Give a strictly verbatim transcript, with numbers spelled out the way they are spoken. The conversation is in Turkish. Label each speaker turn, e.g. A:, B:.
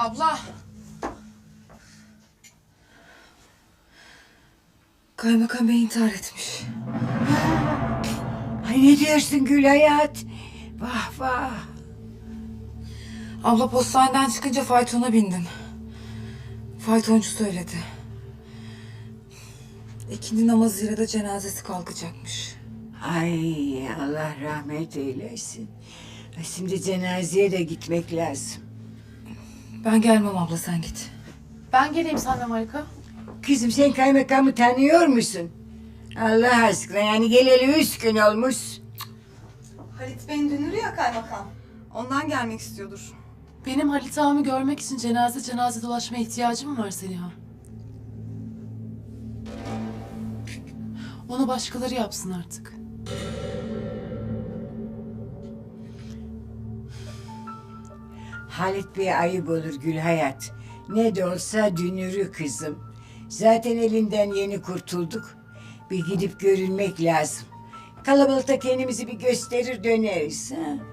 A: Abla.
B: Kaymakam Bey intihar etmiş.
C: Ay ne diyorsun Gül Hayat? Vah vah.
B: Abla postaneden çıkınca faytona bindim. Faytoncu söyledi. İkindi namazıyla da cenazesi kalkacakmış.
C: Ay Allah rahmet eylesin. Ay, şimdi cenazeye de gitmek lazım.
B: Ben gelmem abla, sen git.
A: Ben geleyim seninle Marika.
C: Kızım sen kaymakamı tanıyor musun? Allah aşkına yani geleli üç gün olmuş.
D: Halit Bey'in dünürü ya kaymakam. Ondan gelmek istiyordur.
A: Benim Halit ağamı görmek için cenaze cenaze dolaşmaya ihtiyacım var Seliha. Onu başkaları yapsın artık.
C: Halit Bey ayıp olur Gül Hayat. Ne de olsa dünürü kızım. Zaten elinden yeni kurtulduk. Bir gidip görünmek lazım. Kalabalıkta kendimizi bir gösterir döneriz. Ha?